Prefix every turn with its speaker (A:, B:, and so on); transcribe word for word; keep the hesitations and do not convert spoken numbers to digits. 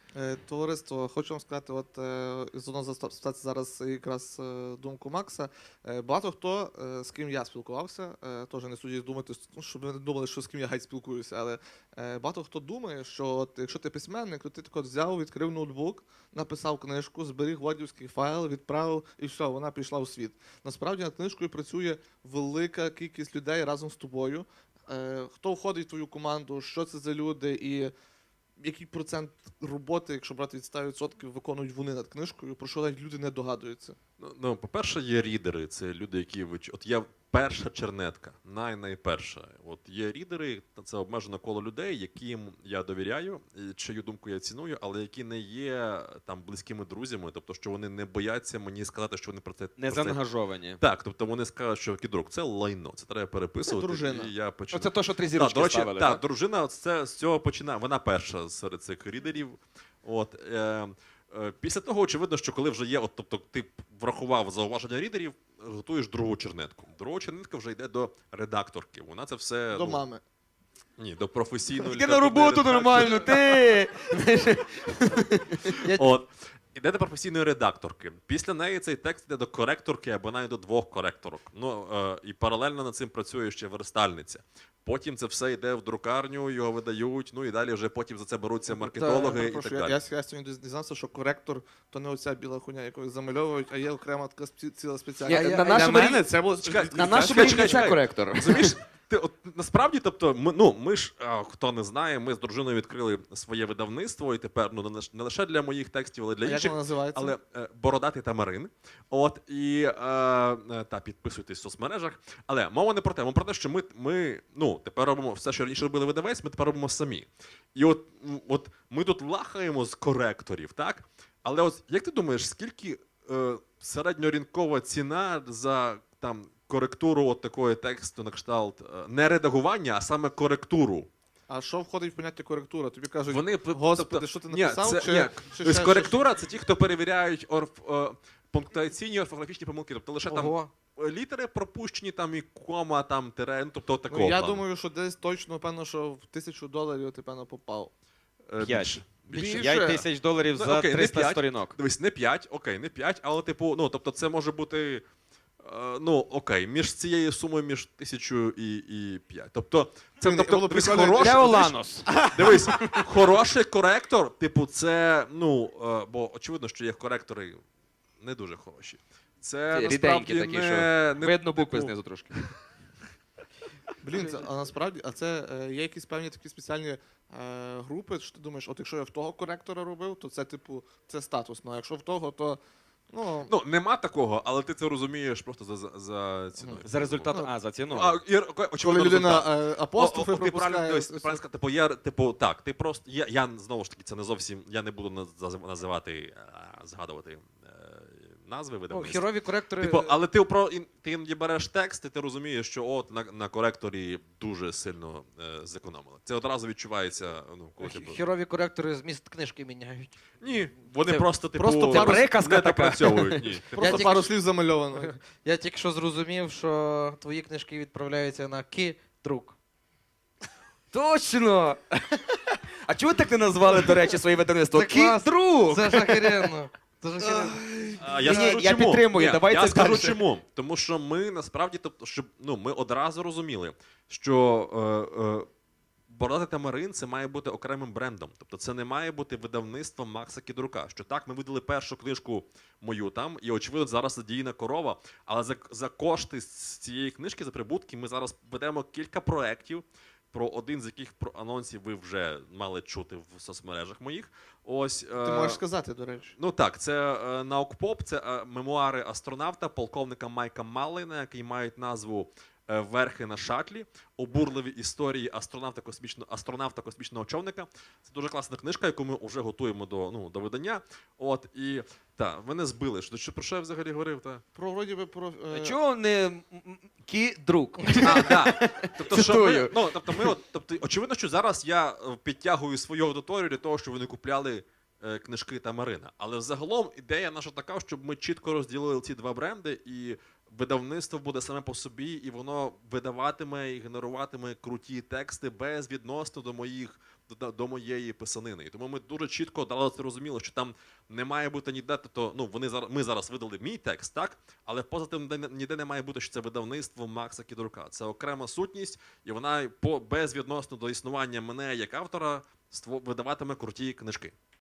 A: Е, Товариство, хочу вам сказати, от е, зоно застати зараз якраз е, думку Макса. Е, Багато хто, е, з ким я спілкувався, е, теж не судіть думати, ну, щоб ви не думали, що з ким я геть спілкуюся, але е, багато хто думає, що от, якщо ти письменник, то ти так от взяв, відкрив ноутбук, написав книжку, зберіг вordівський файл, відправив і все, вона пішла у світ. Насправді над книжкою працює велика кількість людей разом з тобою. Е, Хто входить в твою команду, що це за люди і який процент роботи, якщо брати від ста відсотків, виконують вони над книжкою, про що навіть люди не догадуються.
B: Ну, ну, по-перше, є рідери, це люди, які вич... От я перша чернетка, най-найперша. От є рідери, це обмежене коло людей, яким я довіряю, і чию думку я ціную, але які не є там близькими друзями, тобто, що вони не бояться мені сказати, що вони про це
C: Не
B: про це...
C: заангажовані.
B: Так, тобто вони скажуть, що кідрук, це лайно, це треба переписувати.
A: Це дружина.
B: І я починаю.
C: Оце то, що три
B: Так,
C: зірочки
B: до речі,
C: ставили.
B: так,
C: Так?
B: дружина це, з цього починає. Вона перша серед цих рідерів. От, е, е, після того, очевидно, що коли вже є, от, тобто ти врахував зауваження рідерів, готуєш другу чернетку. Друга чернетка вже йде до редакторки. Вона це все.
A: До
B: ну,
A: мами.
B: Ні, до професійної
C: Ти на роботу
B: редакторки.
C: нормально, ти!
B: От. Іде до професійної редакторки. Після неї цей текст йде до коректорки або навіть до двох коректорок. Ну, е, і паралельно над цим працює ще верстальниця. Потім це все йде в друкарню, його видають, ну і далі вже потім за це беруться маркетологи і так
A: Прошу, я,
B: далі.
A: я, я сьогодні дізнався, що коректор то не оця біла хуйня, яку замальовують, а є окрема така спці- ціла спеціальна.
C: Ні,
A: Для
C: на нашому
A: мене
C: рівні-
A: це було...
B: Чекай,
C: На
B: Чекай,
C: нашому
B: чекай,
C: рівні це
B: чекай.
C: коректор.
B: Розумієш, ти от насправді, тобто, ми, ну, ми ж, а, хто не знає, ми з дружиною відкрили своє видавництво, і тепер ну, не лиш- не лише для моїх текстів, але для
A: А як
B: інших.
A: воно називається?
B: Але е, бородатий Тамарин. От і е, е, та підписуйтесь в соцмережах. Але мова не про те, мова про те, що ми, ми ну, тепер робимо все, що раніше робили видавець, ми тепер робимо самі. І от, м, от ми тут лахаємо з коректорів, так? Але от як ти думаєш, скільки е, середньоринкова ціна за там коректуру от такої тексту на кшталт е, не редагування, а саме коректуру?
A: А що входить в поняття коректура? Тобі кажуть,
B: Вони
A: господи,
B: тобто,
A: що ти
B: ні,
A: написав?
B: це,
A: чи,
B: ні,
A: чи
B: тобто
A: ще
B: коректура це ті, хто перевіряють орф, е, пунктуаційні орфографічні помилки. Тобто лише
C: Ого.
B: там літери пропущені, там і кома, там тире, ну, тобто
A: щось?
B: такого.
A: Ну, я
B: плану.
A: думаю, що десь точно, певно, що в тисячу доларів ти, певно, попав.
B: Е,
C: П'ять.
B: більше. Більше.
A: Більше.
C: п'ять тисяч доларів
B: Ну,
C: за
B: окей, не
C: триста
B: п'ять.
C: сторінок.
B: Дивись, не п'ять, окей, не п'ять, але типу, ну, тобто це може бути, е, ну, окей, між цією сумою, між тисячу і, і п'ять. Тобто, це,
A: Блін,
B: тобто,
A: було
B: дивись,
A: прикольно,
B: хороший,
C: Де
B: дивись,
C: Оланос?
B: дивись, хороший коректор, типу, це, ну, е, бо очевидно, що є коректори не дуже хороші. Це
C: Ті
B: насправді
C: ріденькі такі,
B: не, не
C: Видно букви
B: типу,
C: знизу трошки.
A: Блін, це, а насправді, а це е, є якісь певні такі спеціальні е, групи, що ти думаєш, от якщо я в того коректора робив, то це, типу, це статусно, а якщо в того, то, ну,
B: Ну, нема такого, але ти це розумієш просто за, за, за ціною.
C: За результат,
A: Ну,
C: а, за ціну.
B: А, і, окей,
A: коли
B: очевидно,
A: людина
B: результат.
A: е, апострофи
B: О, о, ти правильно,
A: пропускає.
B: дивись, ти правильно сказав, типу, я, типу, так, ти просто, я, я, знову ж таки, це не зовсім, я не буду наз- називати, а, згадувати е, назви
C: Ну,
B: видавництва.
C: херові коректори...
B: Типу, але ти, про, ін- ти іноді береш текст, і ти розумієш, що от на, на коректорі дуже сильно е, зекономили. Це одразу відчувається, ну, коли ти...
D: Херові коректори зміст книжки міняють.
B: Ні, вони
C: Це
B: просто, типу,
A: просто
C: Це приказка
B: не
C: така.
B: допрацьовують, ні. Ти
A: Просто
D: тільки
A: пару
D: що-
A: слів замальовано.
D: Я тільки що зрозумів, що твої книжки відправляються на ки-друк.
C: Точно! А чого так не назвали, до речі, своє видавництво?
D: Це клас.
C: Кіт-друг!
D: Це ж охеренно. Це ж охеренно.
B: А, я
C: Ні, ні,
B: скажу,
C: я
B: чому.
C: підтримую,
B: Ні,
C: давайте
B: я скажу
C: далі.
B: чому. Тому що ми насправді, тобто, щоб ну, ми одразу розуміли, що е, е, Бородатий Тамарин це має бути окремим брендом. Тобто це не має бути видавництвом Макса Кідрука. Що так, ми видали першу книжку мою там, і очевидно зараз задіяна корова. Але за, за кошти з цієї книжки, за прибутки, ми зараз ведемо кілька проєктів, про один з яких про анонсів ви вже мали чути в соцмережах моїх. Ось,
A: Ти
B: е,
A: можеш сказати, до речі.
B: Ну так, це е, наукпоп, це е, мемуари астронавта, полковника Майка Маллина, які мають назву е, Верхи на шатлі, обурливі історії астронавта космічного, астронавта космічного човника. Це дуже класна книжка, яку ми вже готуємо до, ну, до видання. От, і так, мене збили. Що, що, про що я взагалі говорив? Та?
A: Про, вроді би, про... е,
C: Чого не м- м- кі-друг?
B: А, да. Тобто, що ми,
C: Цитую.
B: ну, тобто, ми, от, тобто, очевидно, що зараз я е, підтягую свою аудиторію для того, щоб вони купляли е, книжки Тамарина. Але взагалом ідея наша така, щоб ми чітко розділили ці два бренди, і видавництво буде саме по собі, і воно видаватиме і генеруватиме круті тексти безвідносно до моїх до, до моєї писанини. І тому ми дуже чітко дали це розуміло, що там не має бути ніде, то ну вони зараз ми зараз видали мій текст, так, але поза тим ніде, ніде не має бути, що це видавництво Макса Кідрука. Це окрема сутність, і вона по безвідносно до існування мене як автора ство- видаватиме круті книжки.